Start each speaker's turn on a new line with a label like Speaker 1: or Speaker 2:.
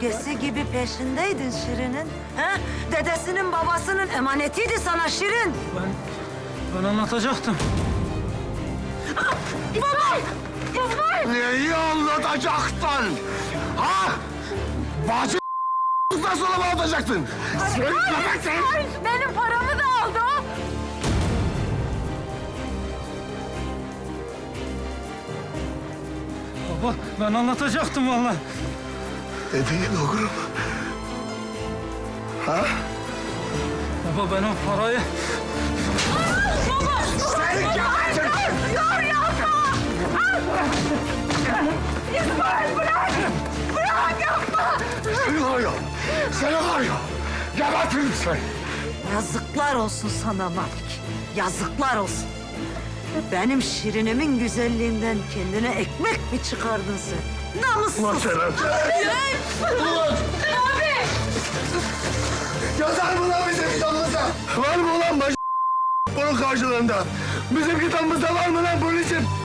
Speaker 1: gölgesi gibi peşindeydin Şirin'in. He? Dedesinin babasının emanetiydi sana Şirin.
Speaker 2: Ben anlatacaktım.
Speaker 1: İsmail! İsmail!
Speaker 3: Neyi anlatacaktın? Ha? Bacı nasıl sonra mı anlatacaktın? Sen köpeksin!
Speaker 1: Benim paramı da aldı o.
Speaker 2: Baba ben anlatacaktım vallahi.
Speaker 3: Ne değil oğlum? Ha?
Speaker 2: Baba ben o parayı...
Speaker 3: Sen köpeksin!
Speaker 1: Dur yapma! İsmail bırak! Bırak yapma!
Speaker 3: Seni var ya! Seni var ya! Gebertirim seni!
Speaker 1: Yazıklar olsun sana Malik. Yazıklar olsun. Benim Şirin'imin güzelliğinden kendine ekmek mi çıkardın sen? Namussuz!
Speaker 3: Ulan sen! Ulan!
Speaker 1: Abi!
Speaker 3: Yazar mı lan bizim kitabımızda? Var mı ulan baş... bunun karşılığında? Bizim kitabımızda var mı lan bunun için?